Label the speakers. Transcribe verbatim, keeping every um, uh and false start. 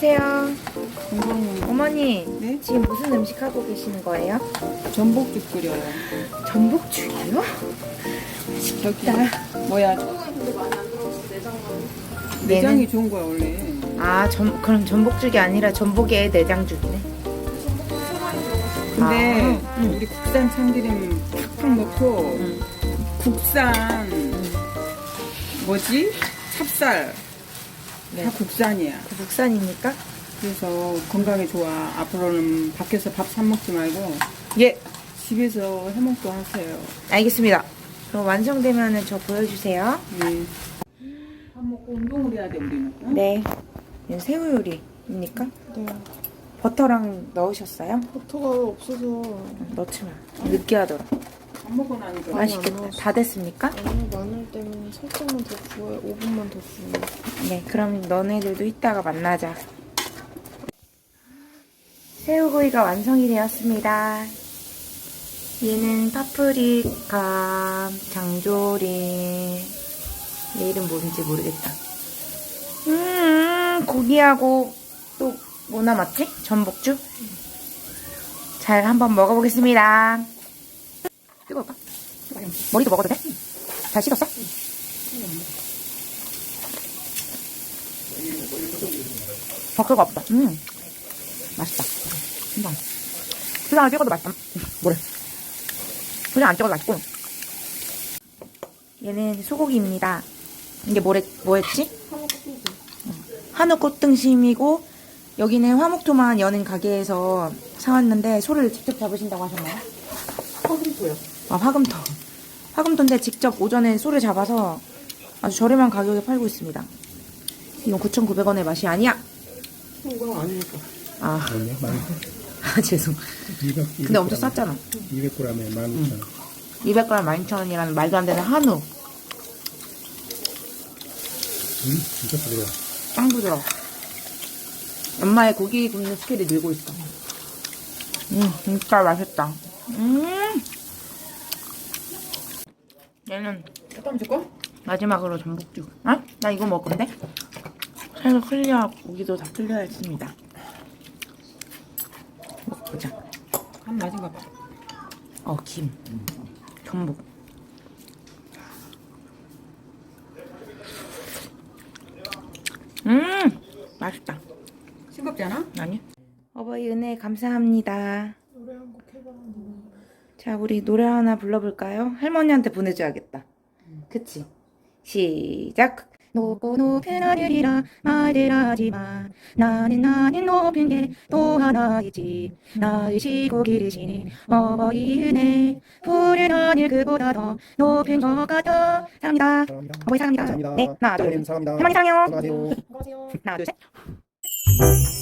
Speaker 1: 안녕하세요.
Speaker 2: 건강은
Speaker 1: 어머니,
Speaker 2: 네?
Speaker 1: 지금 무슨 음식 하고 계시는 거예요?
Speaker 2: 전복죽 끓여요.
Speaker 1: 전복죽이요?
Speaker 2: 저기 뭐야 내장이 좋은 거야 원래.
Speaker 1: 아, 전, 그럼 전복죽이 아니라 전복에 내장죽이네.
Speaker 2: 근데
Speaker 1: 아, 응.
Speaker 2: 우리 국산 참기름 팍팍 넣고
Speaker 1: 응.
Speaker 2: 국산 뭐지? 찹쌀
Speaker 1: 네.
Speaker 2: 다 국산이야.
Speaker 1: 그 국산입니까?
Speaker 2: 그래서 건강에 좋아. 앞으로는 밖에서 밥 사 먹지 말고
Speaker 1: 예,
Speaker 2: 집에서 해먹고 하세요.
Speaker 1: 알겠습니다. 그럼 완성되면 저 보여주세요.
Speaker 2: 네. 밥 먹고 운동을 해야 돼 우리는. 응?
Speaker 1: 네. 이건 새우 요리입니까?
Speaker 3: 네.
Speaker 1: 버터랑 넣으셨어요?
Speaker 3: 버터가 없어서
Speaker 1: 넣지 마. 느끼하더라.
Speaker 2: 밥 먹고 나니까
Speaker 3: 많이 안
Speaker 1: 맛있겠다.
Speaker 3: 넣었어.
Speaker 1: 다 됐습니까?
Speaker 3: 아니 마늘 때문에 살짝만 더 구워요. 오 분만 더 구우면.
Speaker 1: 네, 그럼 너네들도 이따가 만나자. 새우구이가 완성이 되었습니다. 얘는 파프리카, 장조림. 얘 이름 뭔지 모르겠다. 음, 고기하고 또 뭐 남았지? 전복죽? 잘 한번 먹어보겠습니다. 뜨거울까? 머리도 먹어도 돼? 잘 식었어? 버터가 없다. 음, 맛있다. 금방. 그냥 찍어도 맛있다. 뭐래? 그냥 안 찍어도 맛있고. 얘는 소고기입니다. 이게 뭐래, 뭐였지? 한우 꽃등심이고, 여기는 화목토만 여는 가게에서 사왔는데, 소를 직접 잡으신다고 하셨나요?
Speaker 2: 화금토요.
Speaker 1: 아, 화금토. 화금토인데 직접 오전에 소를 잡아서 아주 저렴한 가격에 팔고 있습니다. 이건 구천구백 원의 맛이 아니야.
Speaker 3: 그건 아니니까.
Speaker 1: 아,
Speaker 4: 아니요, 만
Speaker 1: 아 죄송.
Speaker 4: 이백.
Speaker 1: 근데 엄청 쌌잖아.
Speaker 4: 이백 그램에 만 오천 원.
Speaker 1: 이백 그램 만 이천 원이라는 말도 안 되는 한우.
Speaker 4: 음, 진짜 부드러워.
Speaker 1: 빵 부드러워. 엄마의 고기 굽는 스킬이 늘고 있어. 음, 진짜 맛있다. 음. 얘는
Speaker 2: 잠깐만 줄까?
Speaker 1: 마지막으로 전복죽. 아? 나 이거 먹을 건데? 살도 클리어하고 고기도 다 클리어했습니다. 먹어보자.
Speaker 2: 한 맞은가 봐.
Speaker 1: 어, 김. 전복. 음! 맛있다.
Speaker 2: 싱겁지 않아?
Speaker 1: 아니? 어버이 은혜 감사합니다.
Speaker 3: 노래 한 곡 해봐.
Speaker 1: 자, 우리 노래 하나 불러볼까요? 할머니한테 보내줘야겠다. 그치? 시작! 높고 높은 하늘이라 말을 하지마. 나는 나는 높은 게 또 하나 있지. 낳으시고 기르시니 어버이 은혜. 푸른 하늘 그보다 더 높은 것 같아. 사랑합니다.
Speaker 4: 사랑합니다.
Speaker 1: 어버이 사랑합니다.
Speaker 4: 감사합니다.
Speaker 1: 네, 하나, 둘,
Speaker 4: 하나님
Speaker 1: 셋.
Speaker 4: 사랑합니다.
Speaker 1: 할머니 사랑해요.
Speaker 4: 건강하세요.
Speaker 3: 안녕하세요.
Speaker 1: 하나, 둘, 셋.